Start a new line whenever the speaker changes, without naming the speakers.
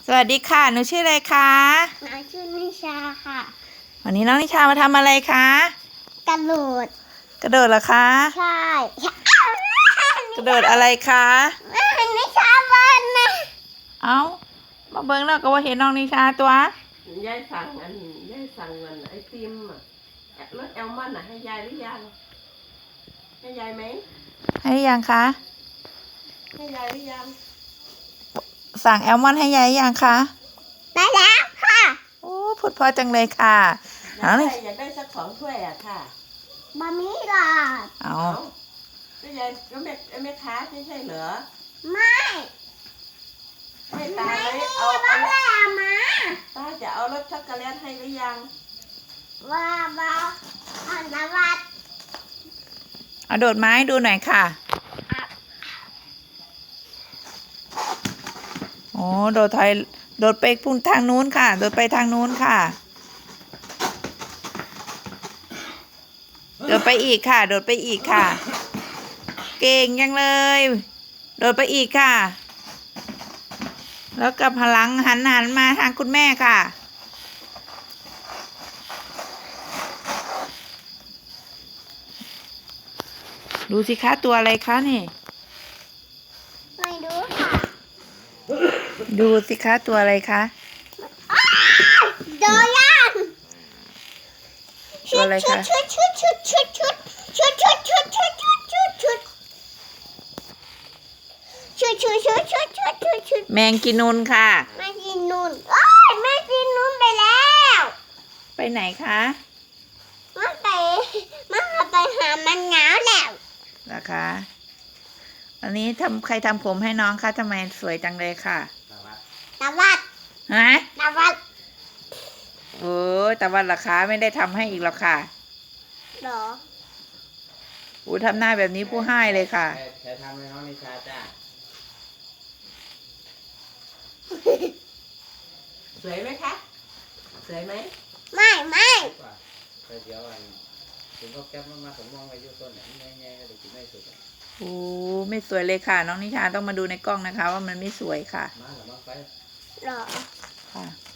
สวัสดีค่ะ หนูชื่ออะไรคะ
หนูชื่อนิชาค่ะ
วันนี้น้องนิชามาทำอะไรคะ
กระโดด
กระโดดเหรอคะ
ใช่
กระโดดอะไรคะ
นิชาบ้านนะ
เอ้า มาเบิ้งแล้วก็ว่าเห็นน้องนิชาตัวย
ายสั่งยายสั่งเงินไอติมอ่ะรถแอลมอนอ่ะให้ยายหรือยังให้ยายไหม
ให้ยังคะ
ให้ยายหรือยัง
สั่งแอลมอนให้ยายยังคะ
ได้แล้วค่ะ
โอ้พูดเพอจังเลยค่ะ
อยากได้สัก2 ถ้วยอ่ะค่ะ
บะหมี่หลอด
เอา
ก็ยายก็แม่ค้าไม่ใช่เหรอ
ไม่
ให้ตา
ไม่
ไหม
มี
เอา
บ้านแล้วมา
ตาจะเอารสช็อกโกแลตให้หรือยัง
บ้าอันดับวัด
เอาโดดไม้ดูหน่อยค่ะ โอ้โดดถอยโดดไปพุ่งทางนู้นค่ะ โดดไปทางนู้นค่ะ โดดไปอีกค่ะ โดดไปอีกค่ะ เก่งยังเลย โดดไปอีกค่ะ แล้วกับพลังหันมาทางคุณแม่ค่ะ ดูสิคะตัวอะไรคะนี่
ไม่รู้ค่ะ
ดูสิคะตัวอะไรคะ
โดยัน
ตัวอะไรคะ
ชุด
แมงกินูนค่ะ
แม่กินนุ่นโอ้ยแม่กินนุ่นไปแล้ว
ไปไหนคะ
มันไปหามันหนาวแล้ว
นะคะ อันนี้ใครทำผมให้น้องคะทำไมสวยจังเลยค่ะ
ตะวัด
ฮะ
ตะวัด
โอ้ยแต่วันราคาไม่ได้ทำให้อีกหรอกค่ะ
เหรอ
อูทำหน้าแบบนี้ผู้ให้เลยค่ะ
ใครทำให้น้องนิชาจ้า
สวยไหมคะสวยไหม
ไม่
ว่าไปเดี๋ยวถึงเขาแก๊ปมาผมมองไปอยู่ต้นเนี่ยแง่ๆเลยกินไม่สุด
โอ้ไม่สวยเลยค่ะ น้องนิชาต้องมาดูในกล้องนะคะ ว่ามันไม่สวยค่ะ
มาหรือมาไป
เหรอ
ค่ะ